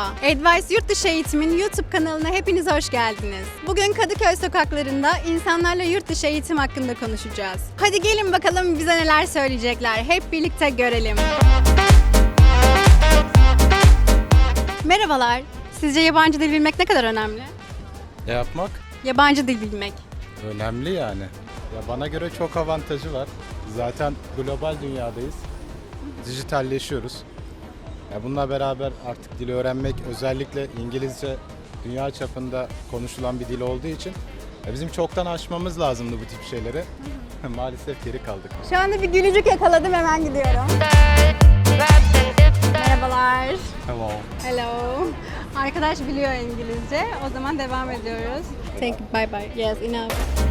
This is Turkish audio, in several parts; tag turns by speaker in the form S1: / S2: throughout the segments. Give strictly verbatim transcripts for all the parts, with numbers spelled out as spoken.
S1: Merhaba, Advice Yurt Dışı Eğitim'in YouTube kanalına hepiniz hoş geldiniz. Bugün Kadıköy sokaklarında insanlarla yurt dışı eğitim hakkında konuşacağız. Hadi gelin bakalım bize neler söyleyecekler, hep birlikte görelim. Merhabalar, sizce yabancı dil bilmek ne kadar önemli?
S2: Ne yapmak?
S1: Yabancı dil bilmek.
S2: Önemli yani. Ya bana göre çok avantajı var. Zaten global dünyadayız. Dijitalleşiyoruz. Ya bununla beraber artık dili öğrenmek, özellikle İngilizce dünya çapında konuşulan bir dil olduğu için ya bizim çoktan aşmamız lazımdı bu tip şeyleri. Maalesef geri kaldık.
S1: Şu anda bir gülücük yakaladım, hemen gidiyorum. Merhabalar.
S2: Hello.
S1: Hello. Arkadaş biliyor İngilizce. O zaman devam ediyoruz. Thank you. Bye bye. Yes, enough.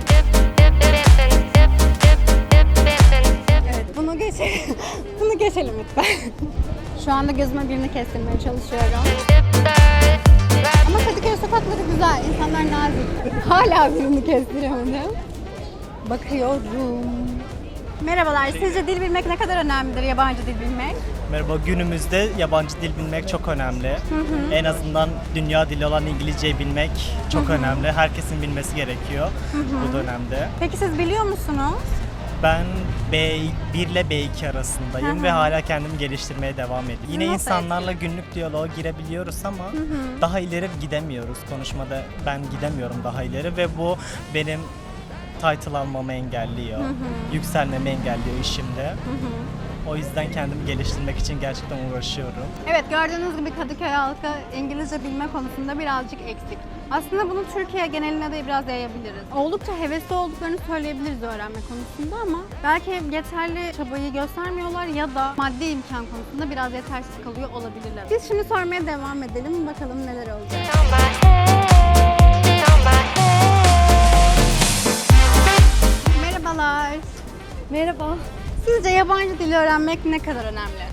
S1: Evet, bunu geçelim. Bunu geçelim lütfen. Şu anda gözüme birini kestirmeye çalışıyorum. Ama Kadıköy sokakları güzel. İnsanlar nazik. Hala birini kestiremedim. Bakıyorum. Merhabalar. Sizce dil bilmek ne kadar önemlidir, yabancı dil bilmek?
S3: Merhaba, günümüzde yabancı dil bilmek çok önemli. Hı hı. En azından dünya dili olan İngilizceyi bilmek çok hı hı. önemli. Herkesin bilmesi gerekiyor hı hı. bu dönemde.
S1: Peki siz biliyor musunuz?
S3: Ben B bir ile B iki arasındayım hı hı. ve hala kendimi geliştirmeye devam ediyorum. Yine
S1: Nasıl
S3: insanlarla
S1: etkili?
S3: günlük diyaloğa girebiliyoruz ama hı hı. daha ileri gidemiyoruz. Konuşmada ben gidemiyorum daha ileri ve bu benim title almamı engelliyor. Hı hı. Yükselmemi engelliyor işimde. Hı hı. O yüzden kendimi geliştirmek için gerçekten uğraşıyorum.
S1: Evet, gördüğünüz gibi Kadıköy halkı İngilizce bilme konusunda birazcık eksik. Aslında bunu Türkiye geneline de biraz yayabiliriz. Oldukça hevesli olduklarını söyleyebiliriz öğrenme konusunda ama belki yeterli çabayı göstermiyorlar ya da maddi imkan konusunda biraz yetersiz kalıyor olabilirler. Biz şimdi sormaya devam edelim, bakalım neler olacak. Merhabalar.
S4: Merhaba.
S1: Sizce yabancı dili öğrenmek ne kadar önemli?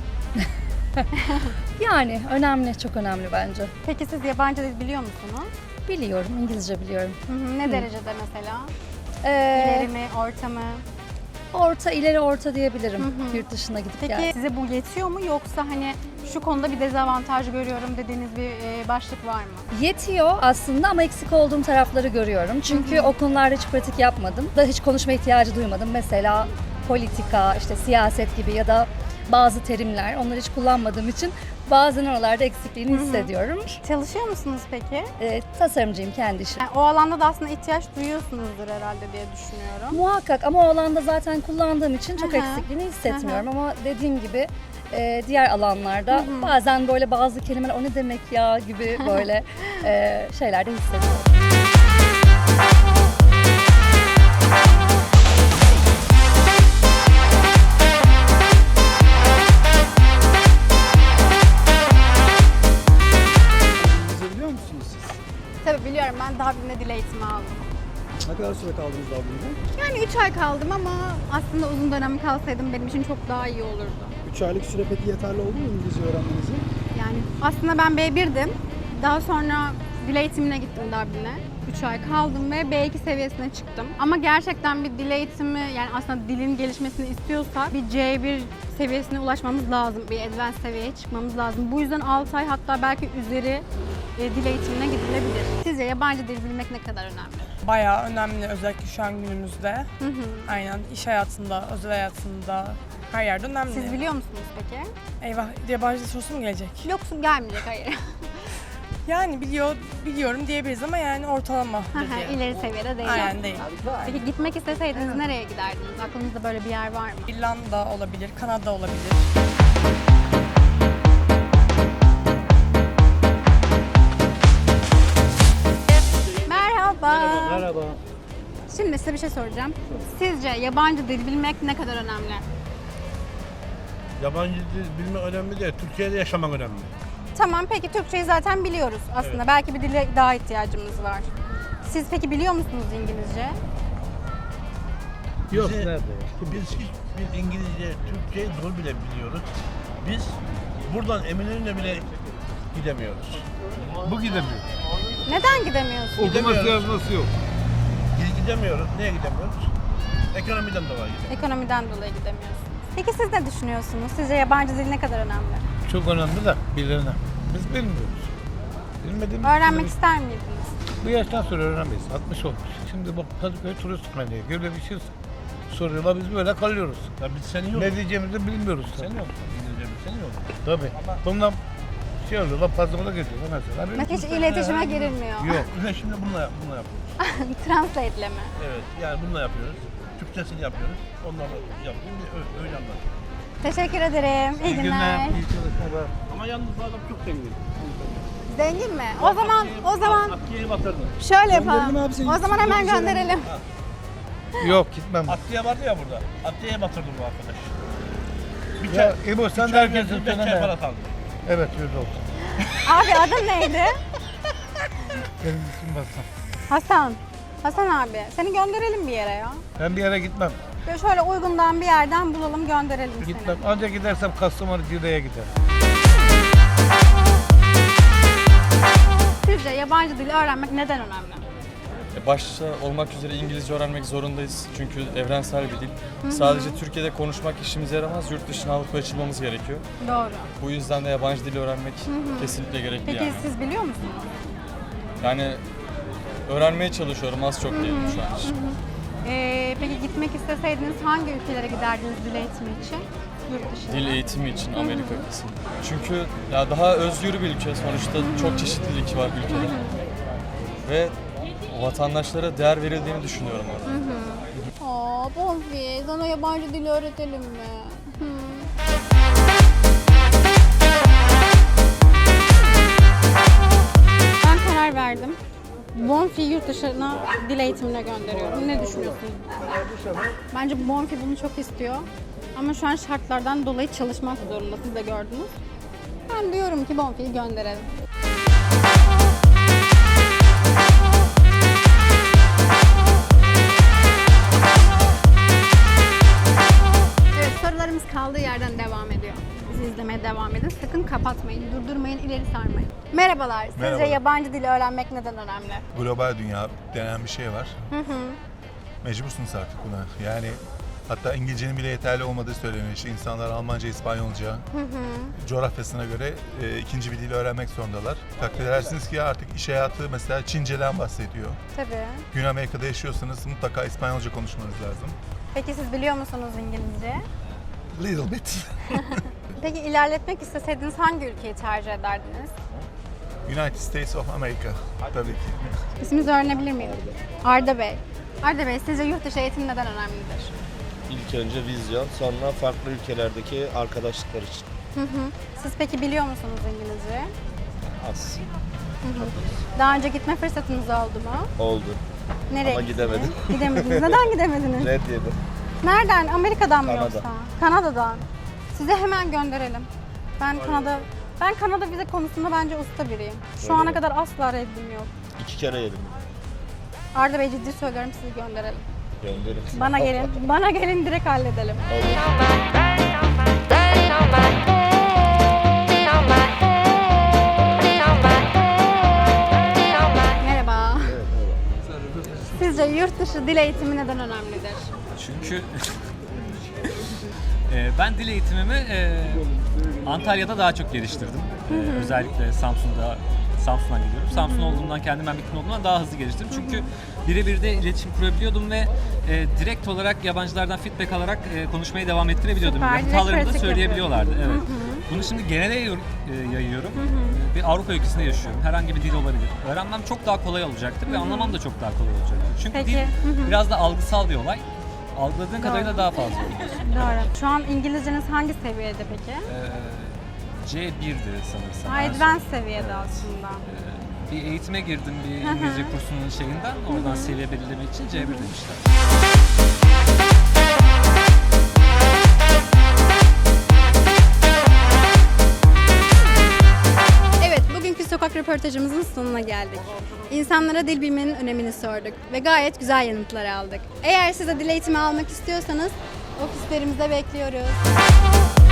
S4: Yani önemli, çok önemli bence.
S1: Peki siz yabancı dil biliyor musunuz?
S4: Biliyorum, İngilizce biliyorum.
S1: Hı hı, ne
S4: Hı.
S1: derecede mesela?
S4: Ee,
S1: İleri mi, orta mı?
S4: Orta, ileri orta diyebilirim
S1: Hı hı.
S4: yurt dışına gidip
S1: Peki
S4: gel.
S1: size bu yetiyor mu, yoksa hani şu konuda bir dezavantaj görüyorum dediğiniz bir e, başlık var mı?
S4: Yetiyor aslında ama eksik olduğum tarafları görüyorum. Çünkü
S1: Hı hı.
S4: o konularda hiç pratik yapmadım. Da hiç konuşma ihtiyacı duymadım. Mesela politika, işte siyaset gibi ya da bazı terimler, onları hiç kullanmadığım için bazen oralarda eksikliğini
S1: Hı hı.
S4: hissediyorum.
S1: Çalışıyor musunuz peki?
S4: Ee, tasarımcıyım, kendi işim.
S1: Yani o alanda da aslında ihtiyaç duyuyorsunuzdur herhalde diye düşünüyorum.
S4: Muhakkak, ama o alanda zaten kullandığım için çok
S1: Hı hı.
S4: eksikliğini hissetmiyorum. Ama dediğim gibi e, diğer alanlarda
S1: Hı hı.
S4: bazen böyle bazı kelimeler o ne demek ya gibi böyle e, şeyler de hissediyorum.
S5: İngilizce biliyor musunuz siz?
S1: Tabii biliyorum, ben Dublin'de dil eğitimi aldım.
S5: Ne kadar süre kaldınız Dublin'de?
S1: Yani üç ay kaldım ama aslında uzun dönem kalsaydım benim için çok daha iyi olurdu.
S5: üç aylık süre peki yeterli oldu mu İngilizce öğrenmenize?
S1: Yani aslında ben B bir'dim. Daha sonra dil eğitimine gittim Dublin'e. üç ay kaldım ve B iki seviyesine çıktım. Ama gerçekten bir dil eğitimi, yani aslında dilin gelişmesini istiyorsak bir C bir seviyesine ulaşmamız lazım. Bir advanced seviyeye çıkmamız lazım. Bu yüzden altı ay, hatta belki üzeri e, dil eğitimine gidilebilir. Sizce yabancı dil bilmek ne kadar önemli?
S6: Bayağı önemli, özellikle şu an günümüzde.
S1: Hı hı.
S6: Aynen, iş hayatında, özel hayatında, her yerde önemli.
S1: Siz biliyor musunuz peki?
S6: Eyvah, yabancı dil sorusu mu gelecek?
S1: Yoksa gelmeyecek, hayır.
S6: Yani biliyor, biliyorum diyebiliriz ama yani ortalamadır diye.
S1: İleri seviyede değil.
S6: Aynen değil.
S1: Peki gitmek isteseydiniz nereye giderdiniz? Aklınızda böyle bir yer var mı?
S6: İrlanda olabilir, Kanada olabilir.
S1: Merhaba.
S5: Merhaba.
S1: Şimdi size bir şey soracağım. Sizce yabancı dil bilmek ne kadar önemli?
S7: Yabancı dil bilmek önemli değil, Türkiye'de yaşamak önemli.
S1: Tamam, peki Türkçeyi zaten biliyoruz aslında.
S7: Evet.
S1: Belki bir dile daha ihtiyacımız var. Siz peki biliyor musunuz İngilizce?
S7: Yok, nerede? Biz hiçbir İngilizce, Türkçeyi zor bile biliyoruz. Biz buradan Eminönü'ne bile gidemiyoruz.
S8: Bu gidemiyor.
S1: Neden gidemiyorsunuz?
S8: Okuması
S7: Gidemiyoruz.
S8: yazması yok.
S7: Biz gidemiyoruz. Niye gidemiyoruz? Ekonomiden dolayı gidemiyoruz.
S1: Ekonomiden dolayı gidemiyorsunuz. Peki siz ne düşünüyorsunuz? Sizce yabancı dil ne kadar önemli?
S8: Çok önemli de bilene. Biz bilmiyoruz.
S7: Bilmediğimiz
S1: Öğrenmek
S7: bir-
S1: ister miydiniz?
S7: Bu yaştan sonra öğrenemeyiz. altmış olmuş. Şimdi bak Kadıköy turist menüye böyle bir şey soruyorlar, biz böyle kalıyoruz. Ya biz seni yok. Ne diyeceğimizi bilmiyoruz. Sen yok. Sen yok. Tabii. Bundan şey oluyorlar, pazarına geçiyorlar mesela. Benim
S1: Mesela hiç
S7: kimse-
S1: iletişime girilmiyor.
S7: Yok. Ne şimdi bununla, yap- bununla yapıyoruz.
S1: Translate'le mi?
S7: Evet. Yani bununla yapıyoruz. Türkçesini yapıyoruz. Onlarla yapıyoruz. Öyle, öyle anlatıyoruz.
S1: Teşekkür ederim. İyi, günler.
S7: İyi çalışmalar. Ama yalnız bu adam çok zengin.
S1: Zengin mi? O zaman o zaman
S7: Atlı'ya batırdın.
S1: şöyle
S5: Gönderelim
S1: yapalım.
S5: abi seni.
S1: O zaman hemen
S5: Güzel.
S1: gönderelim.
S7: Yok gitmem. Atlı'ya vardı ya burada. Atlı'ya batırdı bu arkadaş. Bir
S2: Ya
S7: çay,
S2: İbo sen
S7: bir
S2: de
S7: çay
S2: herkesin
S7: verdi, beş çay
S2: söyleme.
S7: para kaldı.
S2: Evet öyle oldu.
S1: Abi adın neydi?
S2: Benim isim Hasan.
S1: Hasan. Hasan abi. Seni gönderelim bir yere ya.
S2: Ben bir yere gitmem.
S1: Böyle şöyle uygundan bir yerden bulalım gönderelim seni.
S2: Gitmem. Ancak gidersem Kastamonu Cide'ye giderim.
S1: Sizce yabancı dili öğrenmek neden önemli?
S8: E, Başta olmak üzere İngilizce öğrenmek zorundayız çünkü evrensel bir dil. Sadece Türkiye'de konuşmak işimize yaramaz, yurt dışına alıp açılmamız gerekiyor.
S1: Doğru.
S8: Bu yüzden de yabancı dili öğrenmek kesinlikle gerekli
S1: Peki
S8: yani.
S1: siz biliyor musunuz?
S8: Yani öğrenmeye çalışıyorum, az çok diyelim şu an için.
S1: Ee, peki gitmek isteseydiniz hangi ülkelere giderdiniz dil eğitimi için? Yurt dışına.
S8: Dil eğitimi için Amerika kesinlikle. Çünkü ya daha özgür bir ülke sonuçta, çok çeşitlilik var ülkede. Ve vatandaşlara değer verildiğini düşünüyorum orada.
S1: Aa Bonfi, sana yabancı dili öğretelim mi? Hı. Ben karar verdim. Bonfi yurt dışına dil eğitimine gönderiyorum. Ne düşünüyorsunuz? Bence Bonfi bunu çok istiyor. Ama şu an şartlardan dolayı çalışmak zorunda. Siz de gördünüz. Ben diyorum ki Bonfi'yi gönderelim. Evet, sorularımız kaldığı yerden devam ediyor. Bizi izlemeye devam edin. Sakın kapatmayın, durdurmayın, ileri sarmayın. Merhabalar. Sizce
S9: Merhaba.
S1: yabancı dili öğrenmek neden önemli?
S9: Global dünya denen bir şey var. Mecbursunuz artık buna. Yani hatta İngilizcenin bile yeterli olmadığı söyleniyor. İşte insanlar Almanca, İspanyolca coğrafyasına göre e, ikinci bir dil öğrenmek zorundalar. Takdir edersiniz ki artık iş hayatı mesela Çince'den bahsediyor.
S1: Tabii.
S9: Güney Amerika'da yaşıyorsanız mutlaka İspanyolca konuşmanız lazım.
S1: Peki siz biliyor musunuz İngilizce?
S9: Little bit.
S1: Peki ilerletmek isteseydiniz hangi ülkeyi tercih ederdiniz?
S9: United States of America tabii ki.
S1: İsminizi öğrenebilir miyim? Arda Bey. Arda Bey, sizce yurt dışı eğitim neden önemlidir?
S10: İlk önce vizyon, sonra farklı ülkelerdeki arkadaşlıklar için.
S1: Hı hı. Siz peki biliyor musunuz İngilizce?
S10: Az
S1: Daha önce gitme fırsatınız oldu mu?
S10: oldu.
S1: Nereye
S10: Ama
S1: gittiniz?
S10: gidemedim.
S1: Gidemediniz. Neden gidemediniz?
S10: Red yedim.
S1: Nereden? Amerika'dan mı
S10: Kanada.
S1: yoksa? Kanada'dan. Size hemen gönderelim. Ben Kanada ben Kanada vize konusunda bence usta biriyim. Şu
S10: Öyle
S1: ana
S10: mi?
S1: kadar asla reddim yok.
S10: İki kere yedim.
S1: Arda Bey ciddi söylüyorum sizi gönderelim.
S10: Gönderin.
S1: Bana gelin. Bana gelin direkt halledelim. Merhaba. Sizce yurt dışı dil eğitimi neden önemlidir?
S11: Çünkü e, ben dil eğitimimi e, Antalya'da daha çok geliştirdim. E, özellikle Samsun'da, Samsun'dan geliyorum. Samsun olduğumdan, kendim memleketim olduğumdan daha hızlı geliştirdim. Çünkü birebir de iletişim kurabiliyordum ve e, direkt olarak yabancılardan feedback alarak e, konuşmaya devam ettirebiliyordum.
S1: Süper, direkt
S11: Hatalarımı da
S1: pratik
S11: söyleyebiliyorlardı. Evet. Bunu şimdi genele yayıyor- e, yayıyorum. E, Bir Avrupa ülkesinde yaşıyorum. Herhangi bir dil olabilir. Öğrenmem çok daha kolay olacaktır ve anlamam da çok daha kolay olacaktır. Çünkü
S1: Peki.
S11: dil
S1: Hı hı.
S11: biraz da algısal bir olay. Algıladığın kadarıyla daha fazla oluyorsun.
S1: Doğru. Şu an İngilizceniz hangi seviyede peki?
S11: Ee, C bir'di sanırsam.
S1: Ha,
S11: en son.
S1: advanced seviyede aslında.
S11: Ee, bir eğitime girdim bir
S1: Hı hı.
S11: İngilizce kursunun şeyinden. Oradan seviye belirlemek için C bir demişler.
S1: Evet, bugünkü sokak röportajımızın sonuna geldik. İnsanlara dil bilmenin önemini sorduk ve gayet güzel yanıtlar aldık. Eğer siz de dil eğitimi almak istiyorsanız ofislerimize bekliyoruz.